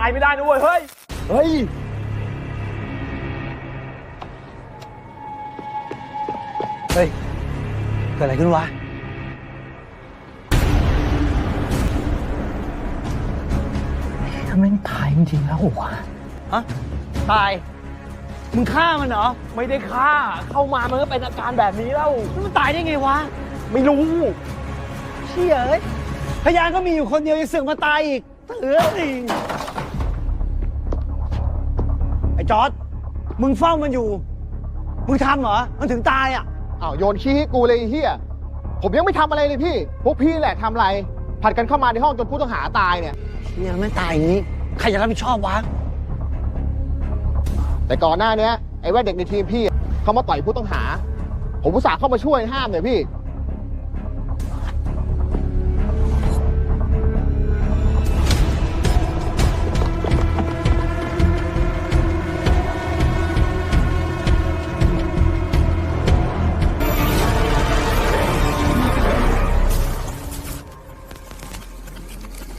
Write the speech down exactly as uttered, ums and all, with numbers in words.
ายไม่ได้นะเว้ยเฮ้ยเฮ้ยเฮ้ยเกิดอะไรขึ้นวะทำไมตายจริงๆแล้ววะฮะตายมึงฆ่ามันเหรอไม่ได้ฆ่าเข้ามามันก็เป็นอาการแบบนี้แล้วมันตายได้ไงวะไม่รู้เชี่ยเอ้ยพยานก็มีอยู่คนเดียวยังเสือกมาตายอีกเถื่อนไอ้จอร์จมึงเฝ้ามันอยู่มึงทำเหรอมันถึงตายอ่ะอ้าวโยนขี้ให้กูเลยไอ้เฮียผมยังไม่ทำอะไรเลยพี่พวกพี่แหละทำอะไรผัดกันเข้ามาในห้องจนผู้ต้องหาตายเนี่ยเนี่ยไม่ตายอย่างนี้ใครจะรับผิดชอบวะแต่ก่อนหน้านี้ไอ้แว่นเด็กในทีมพี่เขามาต่อยผู้ต้องหาผมอุตส่าห์เข้ามาช่วยห้ามเลยพี่